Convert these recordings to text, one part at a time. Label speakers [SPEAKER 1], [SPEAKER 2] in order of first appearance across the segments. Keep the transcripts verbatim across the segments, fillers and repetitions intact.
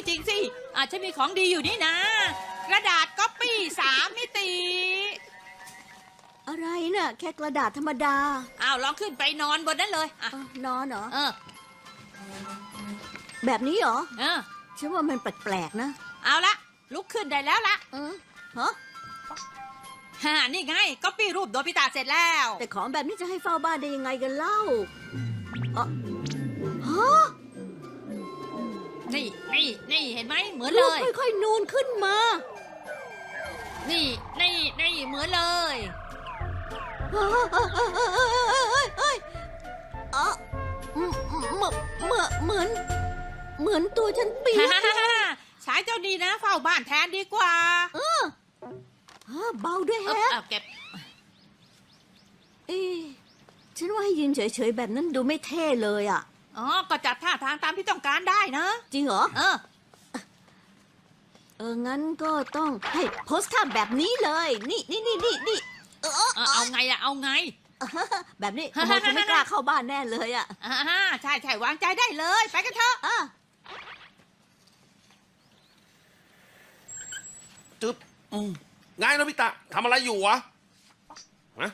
[SPEAKER 1] จริงสิอาจจะมีของดีอยู่นี่นะกระดาษก๊อปปี้สามมิติ
[SPEAKER 2] อะไรน่ะแค่กระดาษธรรมดา
[SPEAKER 1] อ้าวลองขึ้นไปนอนบนนั้นเลยอ่ะ
[SPEAKER 2] เอ้านอนเหรอ
[SPEAKER 1] เออ
[SPEAKER 2] แบบนี้เหรอ
[SPEAKER 1] เออ
[SPEAKER 2] ฉันว่ามันแปลกๆนะ
[SPEAKER 1] เอาละลุกขึ้นได้แล้วละ
[SPEAKER 2] เออฮะ
[SPEAKER 1] ฮ่านี่ไงก๊อปปี้รูปโดบิตะเสร็จแล้ว
[SPEAKER 2] แต่ของแบบนี้จะให้เฝ้าบ้านได้ยังไงกันเล่าเออฮะ
[SPEAKER 1] นี่นี่นี่เห็นไหมเหมือน
[SPEAKER 2] รู
[SPEAKER 1] เล
[SPEAKER 2] ป
[SPEAKER 1] ย
[SPEAKER 2] ค่อยๆนูนขึ้นมา
[SPEAKER 1] นี่นี่นี่เหมือนเลย
[SPEAKER 2] เอ้ยเอ้ยเอ้ยเอ้ยเอ้ยเอ้ยเหมือนเหมือนเหมือนเหมือนตัวฉันเปียก
[SPEAKER 1] ใช้เจ้าดีนะเฝ้าบ้านแทนดีกว่า
[SPEAKER 2] เออฮะเบาด้วย
[SPEAKER 1] เออ
[SPEAKER 2] แฮะ
[SPEAKER 1] เอาเก็บ
[SPEAKER 2] เอ๊ะฉันว่าให้ยืนเฉยๆแบบนั้นดูไม่เท่เลยอ่ะ
[SPEAKER 1] อ๋อก็จัดท่าทางตามที่ต้องการได้นะ
[SPEAKER 2] จริงเหรอ
[SPEAKER 1] เออ
[SPEAKER 2] เออ งั้นก็ต้องให้โพสท่าแบบนี้เลย นี่นี่นี่นี่นี่เออ
[SPEAKER 1] เออเอาไงอะเอาไง
[SPEAKER 2] แบบนี้ขโมยคงไม่กล้าเข้าบ้านแน่เลยอ่ะ
[SPEAKER 1] อ่าใช่ใช่วางใจได้เลยไปกันเถอะ
[SPEAKER 2] อ่ะ
[SPEAKER 3] จึ๊บอืมไงโนบิตะทำอะไรอยู่วะฮะ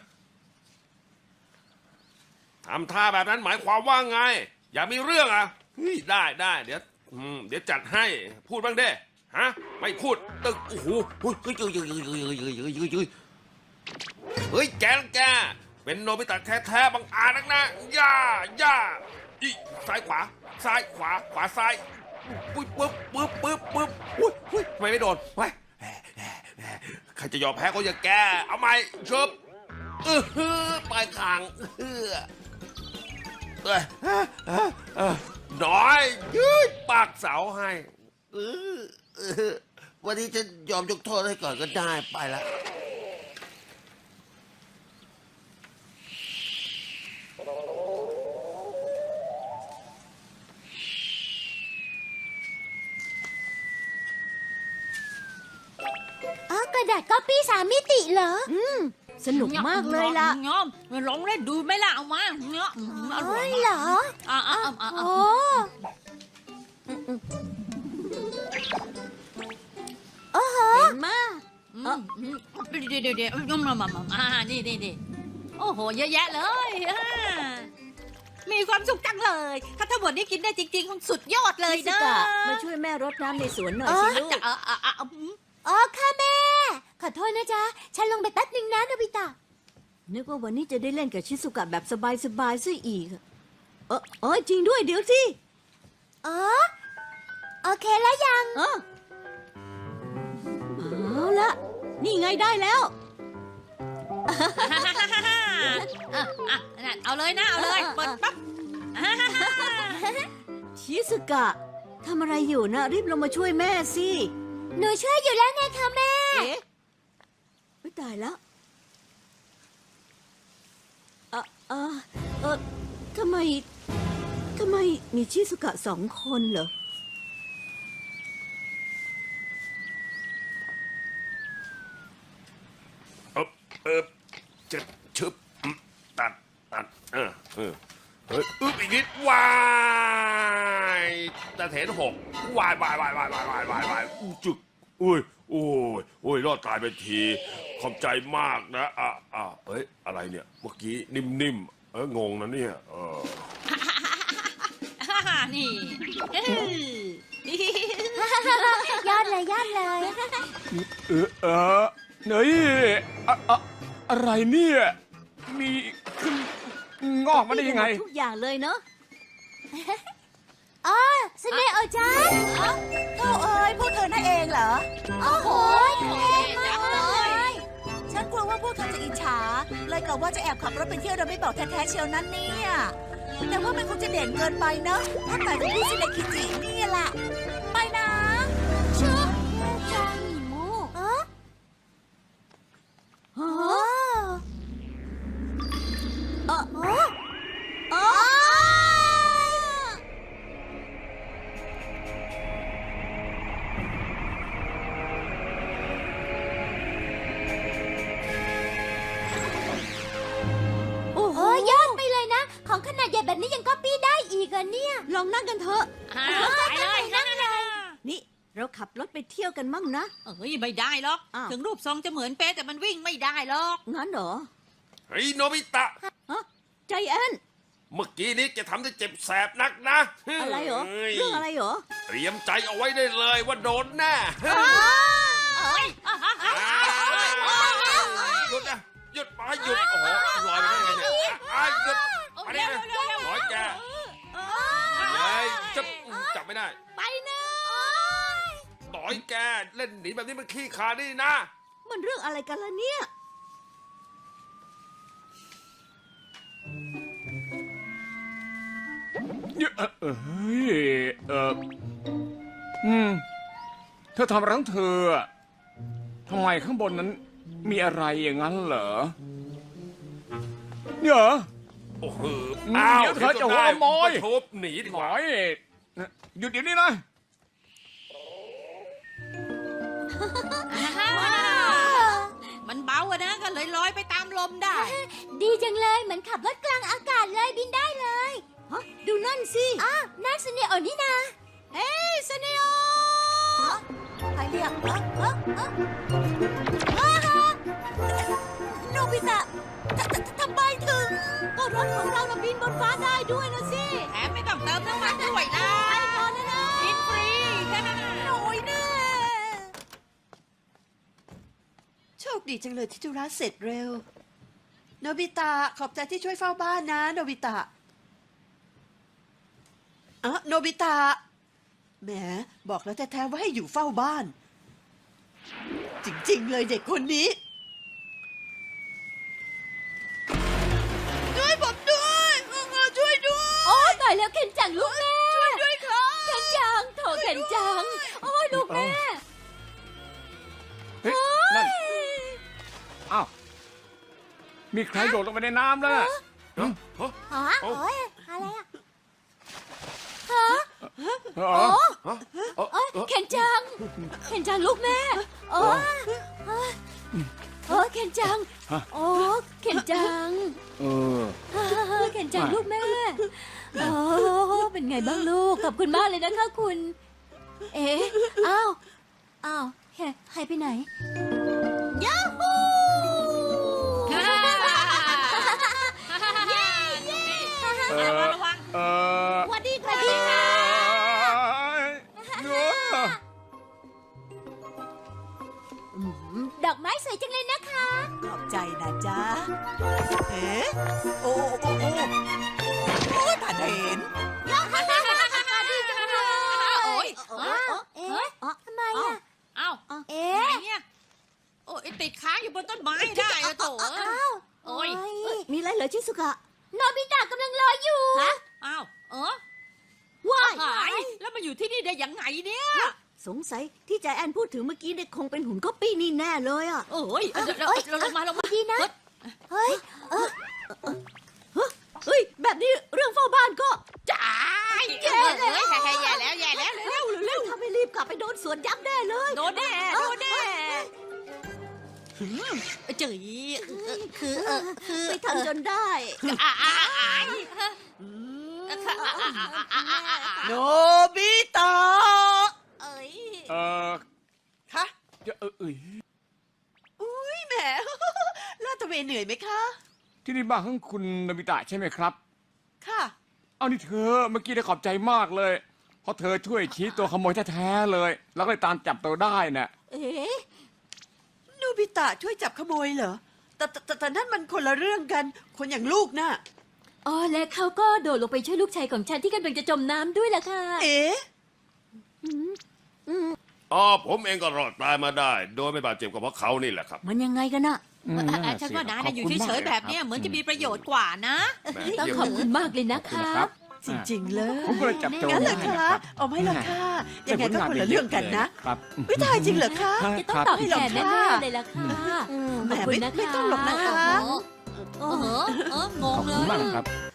[SPEAKER 3] ทำท่าแบบนั้นหมายความว่าไง อย่ามีเรื่องอ่ะเฮ้ยได้ได้เดี๋ยวอืมเดี๋ยวจัดให้พูดบ้างเด้ฮะไม่พูดตึกโอ้โหเฮ้ยเฮ้ยเฮ้ยเฮ้ยเฮ้ยเฮ้ยเฮ้ยเฮ้ยเฮ้ยเฮ้ยเฮ้ยแกแกเป็นโนบิตะแท้ๆบังอาจนักนะย่าย่าอีซ้ายขวาซ้ายขวาขวาซ้ายปึ๊บปึ๊บปึ๊บปึ๊บปึ๊บอุ้ยอุ้ยทำไมไม่โดนไว้ใครจะยอมแพ้ก็อย่าแกเอาไหมชบเออฮือปลายคางเออเอ้ยเอ้ยเอ้ยเอ้ยน้อยยืดปากเสาให้เออเออวันนี้จะยอมยกโทษให้ก่อนก็ได้ไปละ
[SPEAKER 4] อ๋อกระดาษก๊อปปี้สามมิติเหรอ
[SPEAKER 2] อืม สนุกมากเลยล่ะ
[SPEAKER 1] งอมลองเล่นดูไหมล่ะเอามาเนาะอร่อย
[SPEAKER 4] เหรอ
[SPEAKER 1] อ่าอ่าอ่า
[SPEAKER 4] โอ้ โอ้โห
[SPEAKER 2] เห็นมา
[SPEAKER 1] เดี๋ยวเดี๋ยวเดี๋ยวมามามาอ่านี่นี่นี่โอ้โหเยอะแยะเลยมีความสุขจังเลย ถ้าทั้งหมดนี้กินได้จริงๆคงสุดยอดเลย
[SPEAKER 2] ชิสุ
[SPEAKER 1] นะ
[SPEAKER 2] กะมาช่วยแม่รดน้ำในสวนหน่อยสิลูก
[SPEAKER 1] จะเออเออเออ
[SPEAKER 4] อ๋อค่ะแม่ ขอโทษนะจ๊ะ ฉันลงไปแป๊บนึงนะโนบิตะ
[SPEAKER 2] นึกว่าวันนี้จะได้เล่นกับชิสุกะแบบสบายๆซะอีก เออเออจริงด้วยเดี๋ยวสิ
[SPEAKER 4] อ๋อ โอเคแล้วยัง
[SPEAKER 2] เออเอาละนี่ไงได้แล้ว
[SPEAKER 1] เอาเลยนะเอาเลยเปิดปั๊บ
[SPEAKER 2] ชิสุกะทำอะไรอยู่นะรีบลงมาช่วยแม่สิ
[SPEAKER 4] หนูช่วยอยู่แล้วไงคะแม่
[SPEAKER 2] เอ๊ะไม่ตายแล้วเออเออเออทำไมทำไมมีชิสุกะสองคนเหรอ
[SPEAKER 3] เออเออจะชึบอืมตัดตัดเออเออเฮ้ยอึ๊บอีกนิดวายตะเถนหกวายวายวายวายวายวายวายวายอู้จึกอุ้ยโอ้ยโอ้ยรอดตายไปทีขอบใจมากนะอ่ะอ่ะเอ้ยอะไรเนี่ยเมื่อกี้นิ่มๆเอองงนะเนี่ยเออ
[SPEAKER 1] นี่
[SPEAKER 4] ยอดเลยยอดเลย
[SPEAKER 5] เออเออเฮ้ยอะอะอะไรเนี่ย มีขึ้นงอกมาได้ยังไง
[SPEAKER 2] ทุกอย่างเลยเนาะ
[SPEAKER 4] อ๋อสเนโอจัง
[SPEAKER 6] โธ่เอ้ยพวกเธอนั่นเองเหรอ
[SPEAKER 4] โอ้โหเท่มากเลย
[SPEAKER 6] ฉันกลัวว่าพวกเธอจะอิจฉา เลยกะว่าจะแอบขับรถไปเที่ยวโดยไม่บอกแท้ๆเชียวนั้นเนี่ย แต่ว่ามันคงจะเด่นเกินไปเนอะถ้าแต่จะพี่ซิเนคิจินี่แหละไปนะ
[SPEAKER 4] ชุบจังหมูเออ
[SPEAKER 2] โอ้
[SPEAKER 4] โอ้
[SPEAKER 2] เออ
[SPEAKER 4] โอ้
[SPEAKER 2] โอ้โห
[SPEAKER 4] โอ้ยอดไปเลยนะ ของขนาดใหญ่แบบนี้ยังก๊อปปี้ได้อีกอะเนี่ย
[SPEAKER 2] ลองนั่งกันเถอะ
[SPEAKER 1] ไปเลยนั่นเลย
[SPEAKER 2] นี่เราขับรถไปเที่ยวกันมั่งนะ
[SPEAKER 1] เอ้ยไม่ได้หรอก
[SPEAKER 2] อ้าว
[SPEAKER 1] ถึงรูปทรงจะเหมือนเป๊ะแต่มันวิ่งไม่ได้หรอก
[SPEAKER 2] งั้นเหรอ
[SPEAKER 3] เฮ้ยโนบิตะ
[SPEAKER 2] ฮะใจแอน
[SPEAKER 3] เมื่อกี้นี้แกทำได้เจ็บแสบนักนะ
[SPEAKER 2] อะไรเหรอ
[SPEAKER 3] ฮ้ย
[SPEAKER 2] เรื่องอะไรเหรอ
[SPEAKER 3] เตรียมใจเอาไว้ได้เลยว่าโดนแน่
[SPEAKER 1] เอ้ยอ่ะอ่ะอ่ะ
[SPEAKER 3] หยุดนะหยุดไปหยุดโอ้โหลอยไปได้ไงเนี่ยอ่ะหยุด
[SPEAKER 1] โอ้
[SPEAKER 3] ไป
[SPEAKER 1] เร็
[SPEAKER 3] ได้
[SPEAKER 1] ว
[SPEAKER 3] ไง
[SPEAKER 1] เร็วเร็ว
[SPEAKER 3] หอยแก
[SPEAKER 1] เอ้ย
[SPEAKER 3] เฮ้ยจับจับไม่ได้
[SPEAKER 1] ไปนะ
[SPEAKER 3] หน่อยแกเล่นหนีแบบนี้มันขี้ขาดนี่นะ
[SPEAKER 2] มันเรื่องอะไรกันล่ะเนี่ย
[SPEAKER 5] เอ่อเอ้ยเอออืมเธอทำอะไรของเธออะทำไมข้างบนนั้นมีอะไรอย่างนั้นเหรอเนี่ยเหรอ
[SPEAKER 3] โอ้โห
[SPEAKER 5] อืม
[SPEAKER 3] อ้าว
[SPEAKER 5] เดี๋ยวเธอจะหัวขโมย
[SPEAKER 3] ทุบหนีดี
[SPEAKER 5] ห
[SPEAKER 3] ก
[SPEAKER 5] น่
[SPEAKER 3] ว่า
[SPEAKER 5] อยหยุดเดี๋ยวนี้นะ
[SPEAKER 1] มันเบาอะนะก็เลยลอยไปตามลมได้
[SPEAKER 4] ดีจังเลยเหมือนขับรถกลางอากาศเลยบินได้เลย
[SPEAKER 2] ฮะ ดูนั่นสิ
[SPEAKER 4] อ้าวนั่นสเนโอนี่นา
[SPEAKER 1] เฮ้ยสเนโอ
[SPEAKER 6] ใครเรียกฮะฮะฮะโนบิตะทททำไมถึง
[SPEAKER 2] ก็รถของเราน่ะบินบนฟ้าได้ด้วยนะสิ
[SPEAKER 1] แถมไม่ต้องเติมน้ำมันด้วยนะกินฟรีแค่นั้น
[SPEAKER 6] โอ้ยแน่
[SPEAKER 7] โชคดีจังเลยที่ธุระเสร็จเร็ว โนบิตะขอบใจที่ช่วยเฝ้าบ้านนะ โนบิตะอ่ะโนบิตะแหมบอกแล้วแท้ๆว่าให้อยู่เฝ้าบ้าน จริงๆเลยเด็กคนนี้ช่วยผมด้วยช่วยด้วย
[SPEAKER 4] โอ้ตายแล้วเคนจังลูกแม่ช่วยด้วยครับเคนจังโถเคนจังโอ้ยลูกแม่
[SPEAKER 5] เฮ้ยนั่นอ้าวมีใครโดดลงไปในน้ำแล้วน่ะ
[SPEAKER 3] ฮะฮะ
[SPEAKER 4] ฮะ
[SPEAKER 3] เอ้า
[SPEAKER 4] โอ้ยอะไรอะ
[SPEAKER 5] เหรอ
[SPEAKER 3] ฮะเอ้า
[SPEAKER 4] โอ้ย
[SPEAKER 3] เอ้า
[SPEAKER 4] เคนจังเคนจังลูกแม่โอ้ยโอ้ยเคนจังโอ้เคนจัง
[SPEAKER 5] เออ
[SPEAKER 4] เคนจังลูกแม่โอ้เป็นไงบ้างลูกขอบคุณมากเลยนะคะคุณ เอ๊ะอ้าวอ้าวเฮ้หายไปไหนยาฮู
[SPEAKER 5] เออ
[SPEAKER 1] ระวังระวัง
[SPEAKER 5] เออ
[SPEAKER 4] สวัสดีค่ะดีค่ะ
[SPEAKER 5] เนื้อ
[SPEAKER 4] ดอกไม้สวยจังเลยนะคะ
[SPEAKER 6] ขอบใจนะจ๊ะเอ๊ะโอ้โอ้โอ้โอ้ยผ่านเห็น
[SPEAKER 1] โอ้ย
[SPEAKER 4] เอ๊ะเอ๊ะทำไมอ่ะ
[SPEAKER 1] เอ้า
[SPEAKER 4] เอ๊
[SPEAKER 1] ไหน
[SPEAKER 4] ะ
[SPEAKER 1] เนี่ยโอ้ยติดค้างอยู่บนต้นไม้ได้อะโถ
[SPEAKER 4] อ้าว
[SPEAKER 1] โอ้ย
[SPEAKER 2] มีอะไรเหรอชิสุกะ
[SPEAKER 4] โนบิตะกำลังรออยู่
[SPEAKER 2] ฮะ
[SPEAKER 1] อ้าวเออ
[SPEAKER 2] ว้าย
[SPEAKER 1] หายแล้วมาอยู่ที่นี่ได้ยังไงเนี่ย
[SPEAKER 2] สงสัยที่ใจแอนพูดถึงเมื่อกี้เนี่ยคงเป็นหุ่นก๊อปปี้นี่แน่เลยอ่ะ
[SPEAKER 1] โอ้ยเราเราลงมาลงมา
[SPEAKER 4] ดีนะ เฮ้ย
[SPEAKER 2] เฮ้ย แบบนี้เรื่องเฝ้าบ้านก็
[SPEAKER 1] จ่ายแย่แล้วแย่แล้วแย่แล้ว
[SPEAKER 2] เร็วเร็วถ้าไม่รีบกลับไปโดนสวนยักษ์แน่เลย
[SPEAKER 1] โดนแน่โดนแน่จื๋ยคือเออคือ
[SPEAKER 2] ไปทำจนได้
[SPEAKER 1] อ่าอ่าอ่า
[SPEAKER 7] โนบิตะ
[SPEAKER 1] เอ้ย
[SPEAKER 5] เออ
[SPEAKER 7] คะ
[SPEAKER 5] จะเออเอย
[SPEAKER 7] อุ้ยแหม ลาดตระเวนเหนื่อยไหมคะ
[SPEAKER 5] ที่นี่บ้านของคุณนบิตะใช่ไหมครับ
[SPEAKER 7] ค่ะ
[SPEAKER 5] เอานี่เธอเมื่อกี้ได้ขอบใจมากเลย เพราะเธอช่วยชี้ตัวขโมยแท้ๆเลย แล้วก็เลยตามจับตัวได้น่ะ
[SPEAKER 2] เอ๊ะ
[SPEAKER 7] โนบิตะช่วยจับขโมยเหรอแต่แต่แต่แต่นั่นมันคนละเรื่องกัน คนอย่างลูกน่ะ
[SPEAKER 4] อ๋อและเขาก็โดดลงไปช่วยลูกชายของฉันที่กำลังจะจมน้ำด้วยล่ะค่ะ
[SPEAKER 7] เอ๊ะ
[SPEAKER 3] อ๋อผมเองก็รอดตายมาได้ โดยไม่บาดเจ็บก็เพราะเขานี่แหละครับ
[SPEAKER 2] มันยังไงกันน่ะ
[SPEAKER 5] อืม
[SPEAKER 1] ฉันว่านา
[SPEAKER 5] ข
[SPEAKER 1] เนี่ยอยู่
[SPEAKER 5] คุณ
[SPEAKER 1] เฉยๆแบบเนี้ยเหมือนจะมีประโยชน์กว่านะ
[SPEAKER 3] แหม
[SPEAKER 4] ต้อง
[SPEAKER 3] เยี่ยม
[SPEAKER 4] ขอบ
[SPEAKER 3] เลย
[SPEAKER 4] คุณมากเลยนะ
[SPEAKER 5] ขอบคุณ
[SPEAKER 4] คะ
[SPEAKER 5] นะครับ
[SPEAKER 7] จริง ๆ เลย
[SPEAKER 5] ผมก็เลยจับตัว
[SPEAKER 7] งั้นเหรอ
[SPEAKER 5] ได้
[SPEAKER 7] คะ
[SPEAKER 5] นะครับ
[SPEAKER 7] เอาไม่หรอกค่ะยังไงก็คนละเรื่องกันนะ
[SPEAKER 5] ครับ
[SPEAKER 7] ไม่ตายจริงเหรอคะ
[SPEAKER 4] จะต้องตอบแทนแน่ๆเลยล่ะค่ะ
[SPEAKER 7] แหม
[SPEAKER 4] ขอบคุณ
[SPEAKER 7] ไม่
[SPEAKER 4] นะคะ
[SPEAKER 7] ไม่ต้องหรอกนะคะ
[SPEAKER 1] เออเออง
[SPEAKER 5] ขอบ
[SPEAKER 1] เล
[SPEAKER 5] คุณมาก
[SPEAKER 1] ย
[SPEAKER 5] ครับ